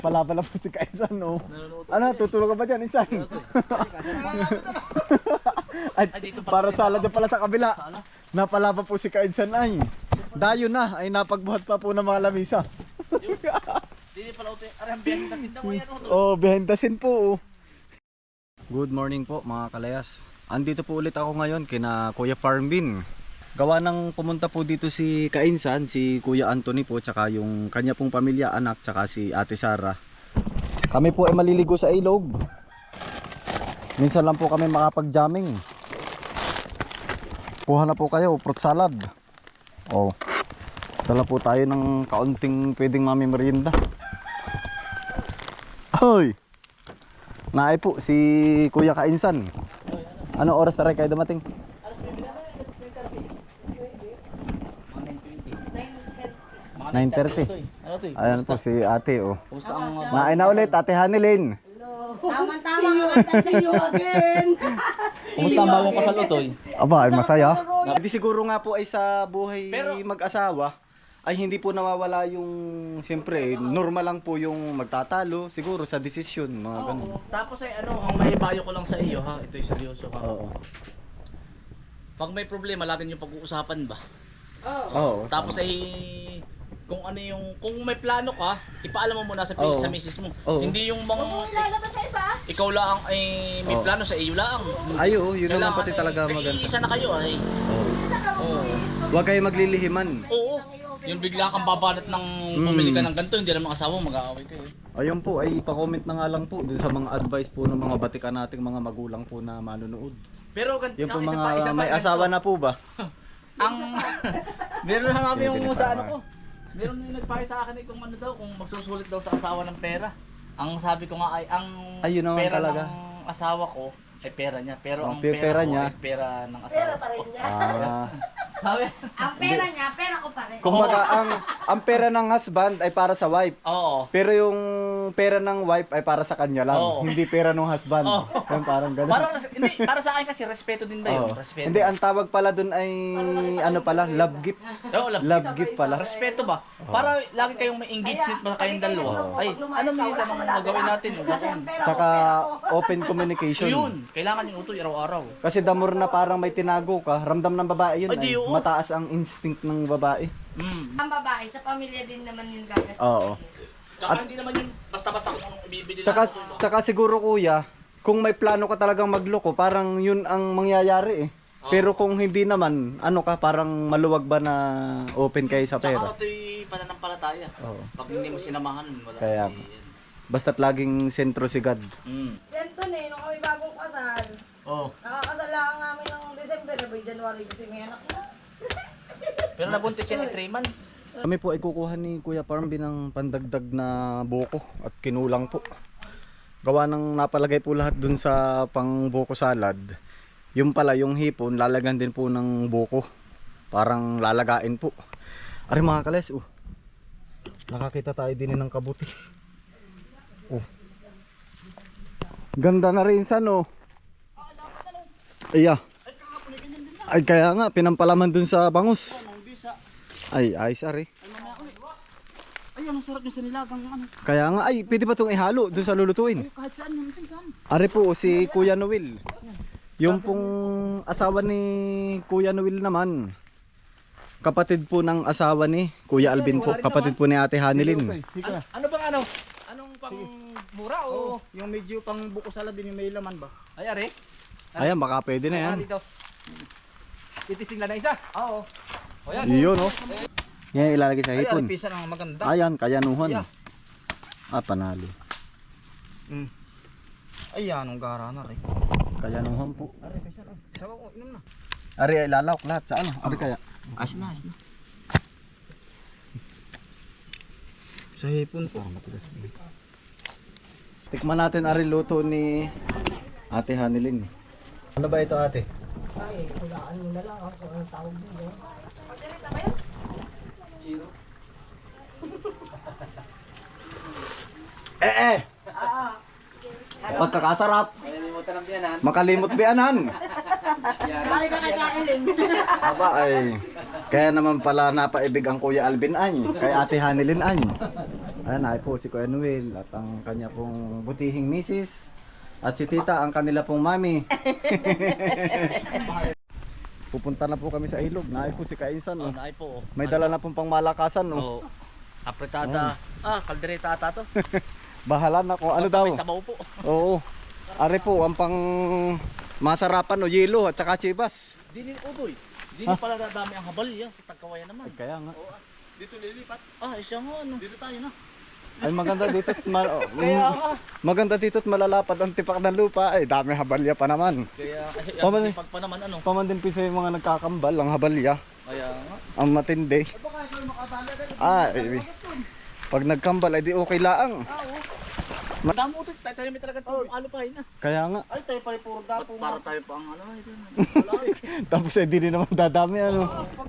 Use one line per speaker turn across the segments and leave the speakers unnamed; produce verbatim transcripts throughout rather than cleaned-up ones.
Pala pala po si Kainsan, no? Ano, tutulog ka ba dyan, Insan? Ay, para sala dyan pala sa kabila. Napala pa po si Kainsan ay. Dayo na, ay napagbuhat pa po ng mga lamisa.
Hindi pala ito, arang behind daw yan.
Oh, behind the scene po. Good morning po mga kalayas. Andito po ulit ako ngayon kina Kuya Parmbin. Gawa ng pumunta po dito si Kainsan, si Kuya Anthony po, tsaka yung kanya pong pamilya, anak, tsaka si Ate Sara. Kami po ay maliligo sa ilog. Minsan lang po kami makapag-jamming. Kuha na po kayo, fruit salad. Oh. Dala po tayo ng kaunting pwedeng mami merienda. Hoy! Naay po si Kuya Kainsan. Ano oras na rin kayo dumating? nine thirty.
Ano to eh?
Ayan po si ate, oh.
Kumusta ang mga...
Naay na ulit, Ate Hanilin.
Tama-tama kakanta sa iyo again.
Kumusta ang bagong kasal utoy?
Aba, ay masaya. Hindi siguro nga po ay sa buhay
Pero-
mag-asawa ay hindi po nawawala yung, siyempre, normal lang po yung magtatalo, siguro sa desisyon, mga ganun.
Oo. Tapos ay ano, ang maibayo ko lang sa iyo ha, ito'y seryoso ha.
Oo.
Pag may problema, lagi niyo pag-uusapan ba?
Oo.
Tapos ay kung ano yung kung may plano ka, ipaalam mo muna sa
Oo.
sa misis mo.
Oo.
Hindi yung mga
Ilalabas sa iba.
ikaw lang ay may
Oo.
plano sa iyo lang.
Ay, oo, yun naman
Kailangan
pati
ay-
talaga maganda.
Isa na kayo ay.
Oo.
Oo.
Huwag kayo maglilihiman.
Oo. Yung bigla kang babanat ng pumili ka ng ganito, hindi naman asawa mo, mag-aaway kayo.
Ayun po, ay pa-comment na nga lang po dun sa mga advice po ng mga batikan nating mga magulang po na manunood.
Pero gan-
Yung po
isa
mga
pa- isa pa
may
ganito.
asawa na po ba?
Ang meron na kami yung
Pwede
sa
pa
ano
ba?
ko. Meron na yung nagpayo sa akin eh, kung ano daw, kung magsusulit daw sa asawa ng pera. Ang sabi ko nga ay ang
Ayun naman
pera
talaga.
ng asawa ko ay pera niya, pero
Ang
ang
pe-
pera,
pera
ko
niya.
ay pera ng asawa
Pera pa
ko.
rin niya.
Ah.
Sabi?
Ang pera niya, pera ko pa rin.
Kumbaga, ang, ang pera ng husband ay para sa wife.
Oo.
Pero yung pera ng wife ay para sa kanya lang.
Oo.
Hindi pera ng husband.
Oo.
Yung parang ganun.
Parang hindi, para sa akin kasi respeto din ba yun?
Oo.
Respeto.
Hindi, ang tawag pala dun ay ano pala, love gift.
Oo, love.
Love gift pala.
Respeto ba? Para lagi kayong may engagement pa kayong dalawa. Ay, ano minsan ang gagawin natin? Gagawin.
Tsaka open
So
communication.
yun, kailangan yung utoy araw-araw.
Kasi the more na parang may tinago ka, ramdam ng babae yun.
Ay, di,
Ay,
oo.
mataas ang instinct ng babae.
Mm.
Ang babae, sa pamilya din naman yung gagastos.
Oo.
Tsaka hindi naman yun basta-basta kung anong ibibili
Tsaka,
natin.
tsaka siguro kuya, kung may plano ka talagang magloko, parang yun ang mangyayari eh. Pero kung hindi naman, ano ka, parang maluwag ba na open kayo sa
Tsaka
pera?
ito'y pananampalataya.
Oo.
Pag hindi mo sinamahan, wala.
Kaya, basta't laging sentro si God.
Mm.
Sento eh, nung kami bagong kasal,
Oh.
nakakasal lang namin ng December, by January kasi may anak na.
Pero nabuntis siya ng three months.
Kami po ay kukuha ni Kuya Parmbin ng pandagdag na buko at kinulang po. Gawa ng napalagay po lahat dun sa pang buko salad. Yung pala, yung hipon, lalagyan din po ng buko. Parang lalagain po. Ari mga kales, oh. Nakakita tayo din ng kabuti. Oh. Ganda na rin san, oh. Iya. Ay, kaya nga, pinampalaman dun sa bangus. Ay, ayos ari.
Ay, ang sarap yung sinilagang ano.
Kaya nga, ay, pwede ba itong ihalo dun sa lulutuin?
Kahit saan yun, saan?
Ari po, si Kuya Noel. Yung pong asawa ni Kuya Noel naman. Kapatid po ng asawa ni Kuya Alvin po. Kapatid po ni Ate Hanilin.
Ano, ano bang ano? Anong pang mura o?
Yung medyo pang buko salad din yung may laman ba?
Ay, are.
Ayan, baka pwede na yan.
Dito. Titising lang na isa. Oo. O yan.
Iyon, oh. Yan, ilalagay sa
Ay,
hipon.
alipisa ng maganda.
Ayan, kayanuhan.
Yeah.
Ah, panalo.
Mm. Ay, anong gara na rin.
Kayanuhan po.
Aray, kaysa rin. Sawa ko, inom na.
Ari, ay lalawak lahat sa ano? Ari kaya?
Ayos na, ayos na. Sa hipon po.
Tikman natin ari luto ni Ate Hanilin. Ano ba ito, ate? Eh eh! Pagkakasarap!
Nalimutan ng tiyanan.
Makalimot bianan!
Ay, kakakailin.
Aba ay, kaya naman pala napaibig ang Kuya Alvin ay, kay Ate Hanilin ay. Ayan, ay po si Kuya Noel at ang kanya pong butihing misis at si Tita ang kanila pong mami. Pupunta na po kami sa ilog. Naay po si Kainsan.
Oh,
Oh.
naay po. Oh.
May dala na pong pangmalakasan. Oh.
Oh. Apretada. Ah, kaldereta ata to.
Bahala na kung ano
Basta
daw.
may sabaw po.
Oo. Are po ang pang masarapan o yelo at saka chibas.
Dinin udoy. Dinin pala dadami ang habal yan sa Tagkawayan naman.
Ay, kaya nga.
Dito lilipat.
Ah, siya nga ano.
Dito tayo na.
Ay maganda dito at ma- oh,
Kaya
mm,
nga.
maganda dito at malalapad ang tipak ng lupa. Ay dami habalya pa naman.
Kaya ay,
Paman-
ang sipag pa naman ano.
Paman din pisa yung mga nagkakambal ang habalya.
Kaya nga.
Ang matindi.
Baka ikaw makatala ka.
Ah, eh, pag nagkambal ay di okay laang.
Madami utoy. Tayo tayo may talaga itong alupahin na.
Kaya nga.
Ay, tayo pala puro dapo.
Para tayo pa ang ano ito.
Tapos eh di rin naman dadami ano.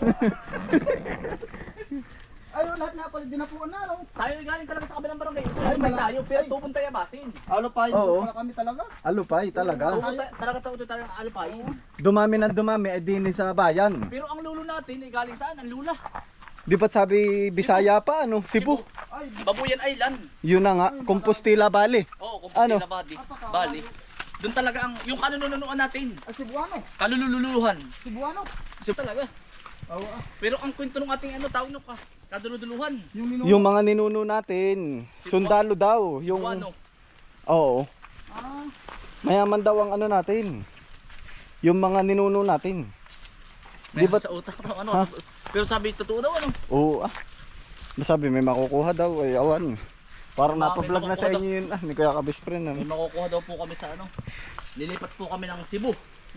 Ay, lahat nga pala dinapuan na, no?
Tayo galing talaga sa kabilang barangay. Ay, may tayo. Pero tubong tayo basin.
Alupahin
Oo.
po pala kami talaga.
Alupay talaga.
Tubong tayo. Talaga tayo tayo ang alupahin.
Dumami ng dumami ay din sa bayan.
Pero ang lulo natin ay galing saan? Ang lula.
Di ba't sabi Bisaya pa ano? Cebu.
Ay,
Babuyan Island.
Yun na nga, Compostela Valley.
Oo, kung
Ano?
ano? Bali. Bali. Doon talaga ang yung kanununuan natin.
ay Cebuano.
Kalululuhan.
Cebuano.
So talaga.
Oo. ah.
Pero ang kwento ng ating ano tawag no ka. Kaduluduluhan.
Yung nino.
Yung mga ninuno natin, sundalo daw. Yung,
Ano?
oo.
Ah,
Mayaman
Mayaman daw ang ano natin. Yung mga ninuno natin.
Di
Di ba-
sa utak daw ano.
Ha?
Pero sabi totoo daw ano.
Oo ah. Masabi may makukuha daw ay awan. Parang
Baka may
napablog na sa
makukuha
inyo yun ah, ni Kuya Kabis friend.
May
Ano?
makukuha daw po kami sa ano. Lilipat po kami ng Cebu.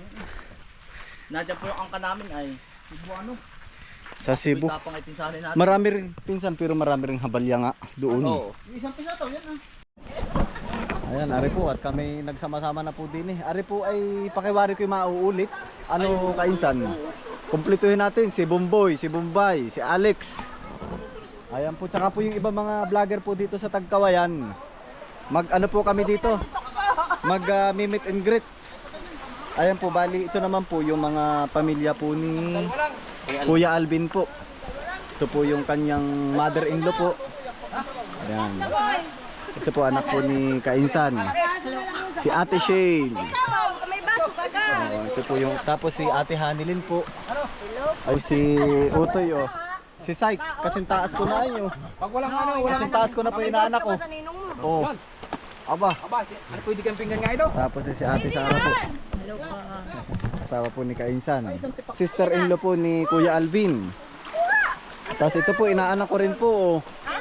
Nandiyan po yung angka namin ay
Cebuano.
Sa Cebu.
May tapang ay pinsanin natin.
Marami rin, pinsan pero marami rin habalya nga doon.
Oo.
Yung isang pisa to, yan ah.
Ayan, ari po at kami nagsama-sama na po din eh. Ari po ay pakiwari ko yung mauulit. Ano kainsan? Kumpletuhin natin si Bomboy, si Bombay, si Alex. Ayan po, tsaka po yung iba mga vlogger po dito sa Tagkawayan. Mag ano po kami dito? Mag uh, meet and greet. Ayan po, bali ito naman po yung mga pamilya po ni Kuya Alvin po. Ito po yung kanyang mother-in-law po. Ayan. Ito po anak po ni Kainsan. Si Ate Shane.
May baso ka ka.
Oh, ito po yung tapos si Ate Hanilin po. Ay si Utoy oh. Si Saik, kasing taas ko na yun.
Pag walang ano,
Kasing taas ko na po yung inaanak ko.
Sa ninong mo.
Oh. Aba.
Aba, ano pwede kang pinggan nga ito?
Tapos si Ate Sara po.
Hello pa.
Asawa po ni Kainsan. Sister-in-law po ni Kuya Alvin. Tapos ito po inaanak ko rin po. Oh.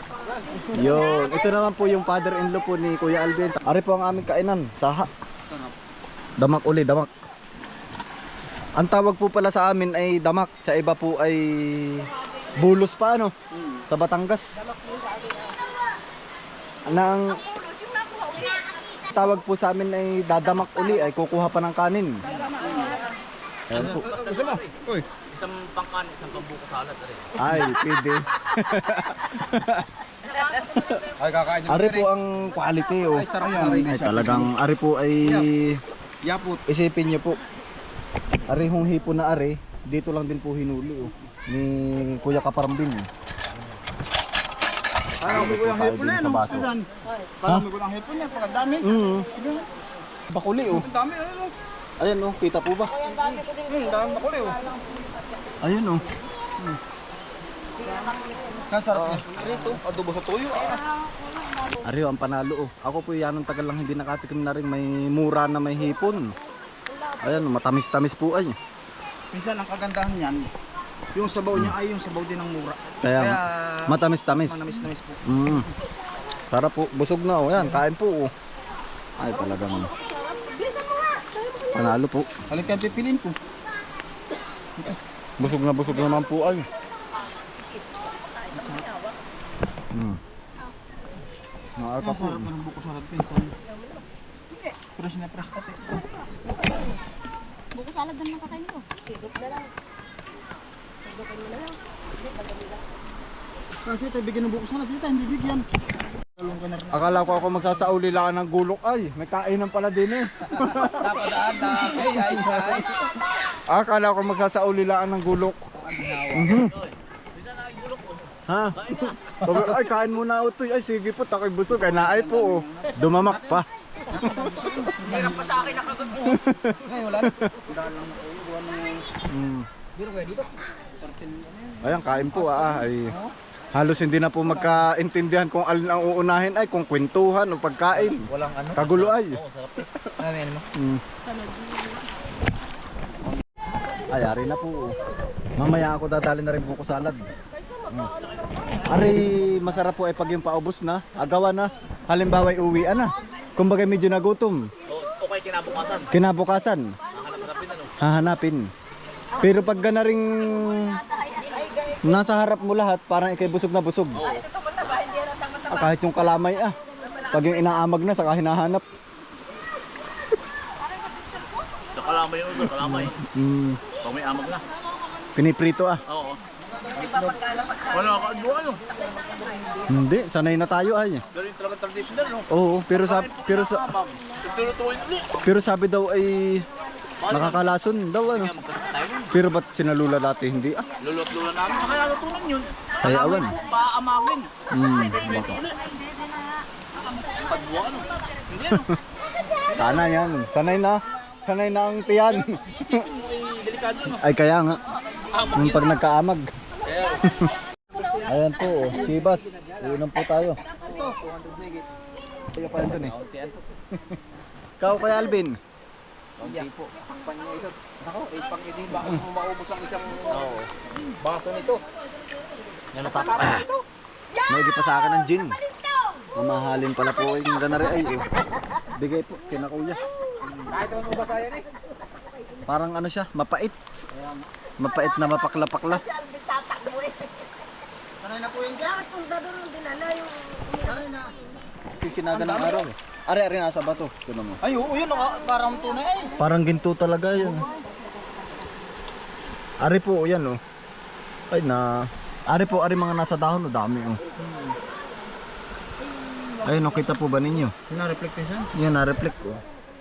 Yun. Ito naman po yung father-in-law po ni Kuya Alvin. Ari po ang aming kainan. Saha. Damak uli, damak. Ang tawag po pala sa amin ay damak. Sa iba po ay bulos pa ano. Sa Batangas. Nang tawag po sa amin ay dadamak uli ay kukuha pa ng kanin. Ayan po.
Uy.
Isang pangkan, isang pambuko salad rin.
Ay, pwede.
Ay, kakain
Ari po ang quality oh.
Ay, sarap yan.
Ay talagang ari po ay
Yapot.
isipin niyo po. Ari hong hipo na ari, dito lang din po hinuli oh. Ni Kuya Kaparambin.
Parang may kulang hipon na yan,
Sa
no?
baso.
Ayan. Parang may kulang hipon yan, pagkadami.
Mm. Bakuli oh.
Ang dami, ayun, oh.
Ayan oh, kita po ba?
Ang dami ko din.
Hmm, dami bakuli, oh.
Ayun oh.
Nasarap niya. Rito, adobo sa tuyo, ah.
Ari oh, ang panalo oh. Ako po yan ang tagal lang hindi nakatikim na rin may mura na may hipon. Ayan, matamis-tamis po ay.
Minsan ang kagandahan niyan, yung sabaw niya ay yung sabaw din ng mura.
Kaya nga, matamis-tamis.
Manamis-namis po.
Mm. Sarap po, busog na oh. Yan, kain po oh. Ay talagang panalo po.
Halika kayo pipiliin ko.
Busog na busog naman po ay. Hmm. Naarka po.
Masarap na ng buko sarap pinsan. Fresh na fresh pati.
Buko salad na lang kakain ko. Sigop na lang. Sigopin mo na lang.
Kasi tayo bigyan ng buko sana, sila hindi bigyan. Talong ka na rin.
Akala ko ako magsasauli lang ng gulok ay. May kainan pala din eh.
Napadaan na. Ay, ay, ay.
Akala ko magsasauli lang ng gulok. Mhm.
Bisa na igulok ko.
Ha? Sabi, ay, kain muna utoy. Ay, sige po, tako'y busog. Ay, naay po. Oh. Dumamak pa.
Hirap pa sa akin nakagot mo.
Ngayon, wala na. Dahil lang ako, gawa ng...
Mm.
Dito kayo, dito.
Ayan, kain po ah. Ay, halos hindi na po magkaintindihan kung alin ang uunahin ay kung kwentuhan o pagkain.
Walang ano.
Kagulo ay.
Oo, sarap. Ano yan mo?
Mm. Ay, ari na po. Mamaya ako dadali na rin buko salad. Mm. Ari, masarap po ay pag yung paubos na, agawan na. Halimbawa, uwian na. Kumbaga medyo nagutom.
Oo, okay, kinabukasan.
Kinabukasan,
Hahanap-hanapin ano.
hahanapin. Pero pag gana ring nasa harap mo lahat, parang ikay busog na busog. Ah, kahit yung kalamay ah. Pag yung inaamag na, saka hinahanap.
Sa kalamay yun, sa kalamay.
Mm.
Pag may amag na.
Piniprito ah.
Oo. Wala ka, ano?
Hindi, sanay na tayo ay.
Pero yung talagang traditional, no?
Oo, pero sa pero sa
Amag. Tulutuin ulit.
pero sabi daw ay nakakalason daw ano.
Kaya magkasama tayo nun.
Pero ba't sinalula dati hindi ah?
Lulot-lula namin. Kaya natutunan yun.
Ay, awan.
Kalamay po, paamagin.
Hmm,
Pwede
baka.
ulit. Pagbuwa, ano? Hindi, ano?
Sana yan. Sanay na. Sanay na ang tiyan.
Isipin mo, eh, delikado, ano?
Ay kaya nga.
Amag
Nung
yan.
pag nagkaamag.
Kaya,
Ayan po, oh. Chivas. Uunang po tayo. Kaya pa yun eh. Ikaw kay Alvin.
Hindi po. Pang-isot. Ako, eh, pang-isot. Baka mo maubos ang isang baso nito.
yan ang tapos.
May pa sa akin ng gin. Mamahalin pala po yung ganari ay. Oh. Bigay po, kina kuya.
Kahit ano ba yan eh?
Parang ano siya, mapait. Mapait na mapakla-pakla.
Sanay na po yung dyan.
Bakit kung dadon yung dinala yung...
Sanay na.
Sinaga ng araw eh. Ari, ari, nasa bato. Tignan mo.
Ay, oo, yun. naka- Parang tunay eh.
Parang ginto talaga yan. Ari po, yan oh. Ay na. Ari po, ari mga nasa dahon, oh, dami oh. Ayun, oh, kita po ba ninyo?
Na-reflect yun siya.
Yan, na-reflect oh.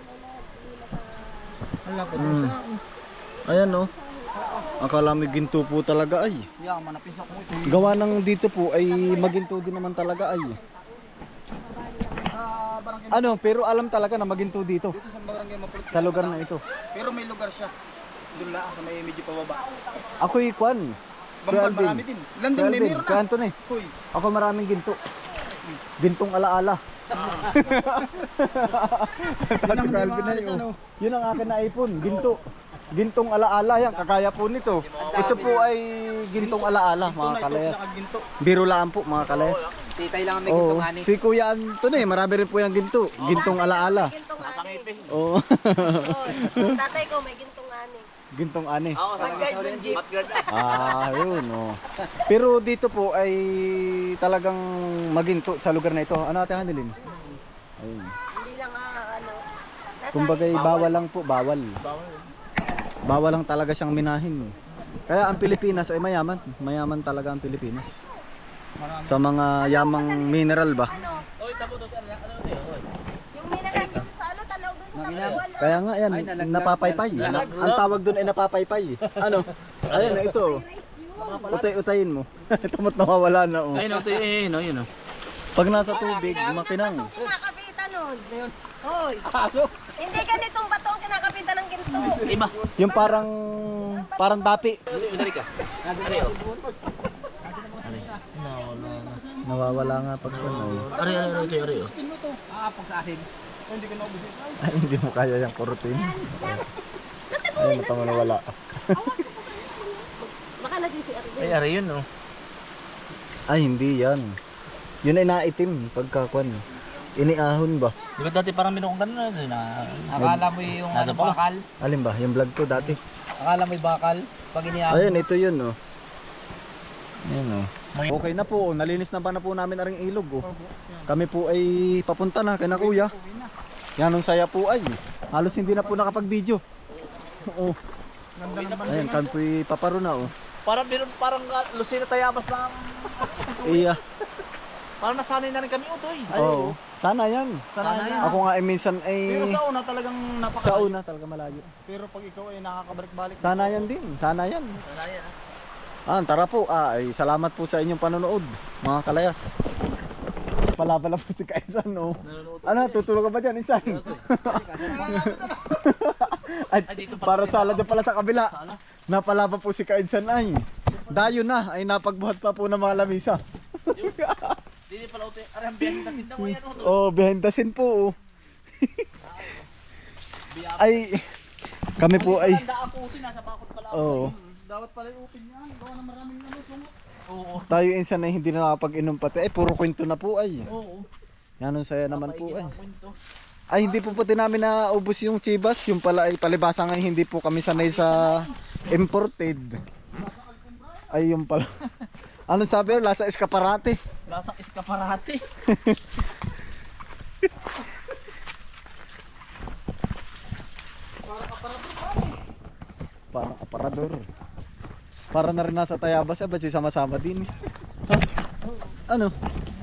Ang lapit mo
Mm.
siya.
Ayan oh. Akala mo ginto po talaga ay.
Yaman, napisa ko ito.
Gawa ng dito po ay maginto din naman talaga ay.
Sa barangay.
Ano, pero alam talaga na maginto dito.
Dito sa barangay Mapulit.
Sa lugar na ito.
Pero may lugar siya. Doon lang, sa may medyo pababa.
Ako'y kwan.
Bangkal,
Alvin.
marami din. Landing, may meron na.
Kanto eh.
Hoy.
Ako maraming ginto. Gintong alaala. Sabi ko, Alvin na yun, oh. Yun ang akin na iPhone, ginto. Gintong alaala yan, kakaya po nito. Ito po ay gintong alaala, mga kalayas.
Nakaginto.
Biro lang po, mga kalayas.
Titay lang ang
Oo, si Kuya Anton eh, marami rin po yung ginto. Gintong alaala.
Gintong ani.
Oo.
Tatay ko may gintong ani.
Gintong ani.
Oo, sa guard ng jeep. Matguard na.
Ah, yun oh. Pero dito po ay talagang maginto sa lugar na ito. Ano ate Hanilin? Ayun.
Hindi lang ah, ano. Nasa-
Kumbaga bawal lang po, bawal. Bawal lang talaga siyang minahin. Kaya ang Pilipinas ay mayaman. Mayaman talaga ang Pilipinas. Sa mga yamang mineral ba?
Oy, tabo to. Ano ano to? Oy.
Yung mineral dun sa ano, tanaw dun sa kabuan.
Kaya nga yan, napapaypay. Ang tawag doon ay napapaypay. Ano? Ayan, ito. Utay-utayin mo. Tamot nawawala na oh.
Ayun, ito eh, no, yun oh.
Pag nasa tubig, makinang.
Batong kinakapitan nun. Hoy. Hindi ganitong batong kinakapitan ng ginto.
Iba.
Yung parang parang dapi.
Madali ka. Ano yun?
Nawawala nga pag ano.
Ari, ari, ari, ari, ari.
Ay, hindi mo kaya yung kurutin. Ay, matama nawala.
Baka nasisiar din.
Ay, ari yun oh.
Ay, hindi yan. Yun ay naitim pagkakuan. Iniahon ba?
Di ba dati parang minukong ganun na?
Akala mo yung
Ano
ano,
pa?
bakal?
Alin ba? Yung vlog ko dati.
Akala mo yung bakal? Pag iniyak
Ayun, ito yun oh. Ayan oh. Okay na po, nalinis na ba na po namin aring ilog oh. Kami po ay papunta na kay na kuya. Yan ang saya po ay. Halos hindi na po nakapag-video. Oo. Ayan, kami po ay paparo na oh.
Parang meron parang uh, Lucina Tayabas lang.
Iya.
Parang nasanay na rin kami utoy.
Oo. Sana yan.
Sana yan.
Ako nga ay minsan ay
Pero sa una talagang
sa
napakalayo.
una talaga malayo.
Pero pag ikaw ay nakakabalik-balik.
Sana yan din. Sana yan.
Sana yan ah.
Ah, tara po. Ah, ay, salamat po sa inyong panonood, mga kalayas. Pala pala po si Kaisan, no? Ano, tutulog ka ba dyan, Insan? Ay, para sala dyan pala sa kabila. Napala pa po si Kaisan ay. Dayo na, ay napagbuhat pa po ng mga lamisa.
Hindi pala uti. Arang biyahin kasi daw yan.
Oh, behendasin po. Oh. Ay, kami po ay.
Tanda ako uti, nasa bakod pala ako.
Oo.
Dapat pala i-open yan. Gawa na maraming ano. sungot.
Oo.
Tayo Insan ay hindi na nakapag-inom pati. Ay, puro kwento na po ay.
Oo.
Yan ang saya naman po ay.
Ang kwento.
Ay, hindi po pati namin naubos yung chibas. Yung pala ay palibasa nga hindi po kami sanay sa imported. Ay, yung pala. Ano sabi yun? Lasa eskaparate.
Lasang eskaparate.
Parang aparador. Para na rin nasa Tayabas. Eh, ba't siya sama-sama din? Ha? Ano?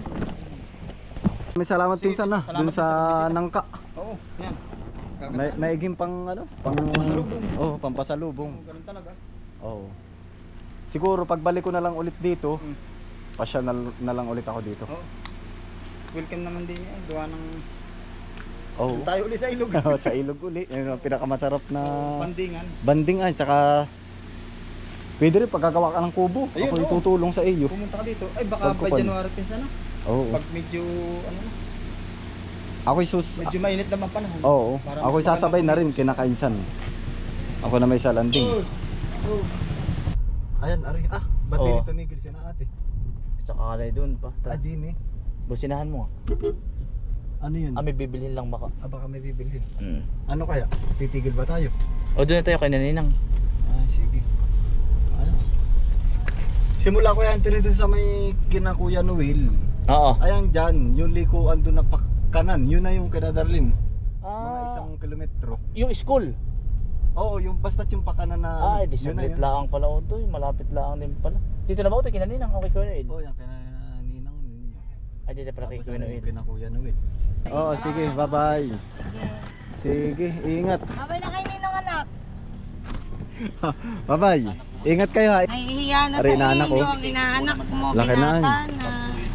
May salamat pinsan na. Dun sa nangka.
Oo, yan.
May, maiging pang ano? Pang
Pampasalubong.
Oh, pampasalubong.
Ganun talaga.
Oo. Siguro pagbalik ko na lang ulit dito,
Hmm.
pasya na, na lang ulit ako dito.
Oo. Welcome naman din yan. Gawa ng
Oo.
tayo uli sa ilog.
Sa ilog uli. Yun ang pinakamasarap na
Pandingan.
banding ay. Tsaka pwede rin pagkagawa ka ng kubo.
Ayun,
Ako
oo.
itutulong sa iyo.
Pumunta ka dito. Ay baka
Pagkupan.
by January pinsan na.
Oo.
Pag medyo ano na,
Ako sus
medyo mainit naman panahon.
Oo.
Para
Ako
mas
sasabay
maganda
na rin kinakainsan. Ako na may salanding.
Oh.
Ayan, ari. Ah, ba't
Oo.
dito nigil siya na ate?
Saka na doon pa.
Ah, din eh.
Businahan mo.
Ano yun?
Ah, may bibilhin lang baka.
Ah, baka may bibilhin.
Mm.
Ano kaya? Titigil ba tayo?
O doon na tayo kay Naninang.
Ah, sige. Ano? Simula ko yan dito sa may kina Kuya Noel.
Oo.
Ayan dyan, yung likuan doon na pakanan, yun na yung kinadalim. Mga
Ah,
isang kilometro.
yung school.
Oo, yung basta't yung pakanan na
Ah, di
yun na
saglit
yun.
lang pala o doon. Malapit lang din pala. Dito na ba ito kay Naninang? Okay, Kuya Noel.
Oo, yan kina Ninang yun.
Ay, dito pala kay
Tapos
Kuya
ano,
Noel.
yung kina Kuya Noel. Oo, sige, bye-bye. Sige, ingat.
Babay na kayo ninong anak.
Bye-bye. Ingat kayo ha.
Ay, hiya na
Aray,
sa
inaanak ko.
iyo. Ang inaanak mo,
Laki na, eh.
binata na.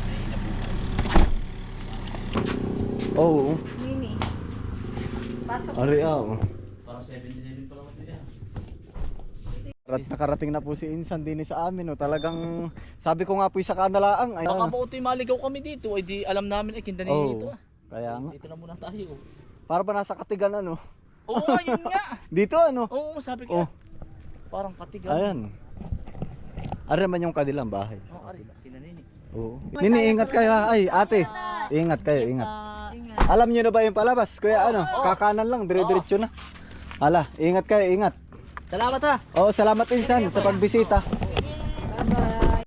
Oo.
Nini. Pasok.
Ari ah.
Parang seven eleven pala ito yan.
Rat nakarating na po si Insan din sa amin, oh. Talagang sabi ko nga po sa kanalaang ay
Baka mauti maligaw kami dito. Ay di alam namin ay kinda
Oo.
dito. ah.
Kaya nga.
Dito na muna tayo.
Para ba nasa Katigan ano?
Oo nga, yun nga.
Dito ano?
Oo, sabi ko.
Oh.
Parang katigan.
Ayan. Ari man yung kanilang bahay.
Oh, ari, kinanini.
Oo. Nini, ingat kayo ha. Ay, ate. Ingat kayo, ingat. Alam niyo na ba yung palabas? Kuya ano? Kakanan lang, dire-diretso na. Hala, ingat kayo, ingat.
Salamat ha.
Oo, salamat Insan sa pagbisita.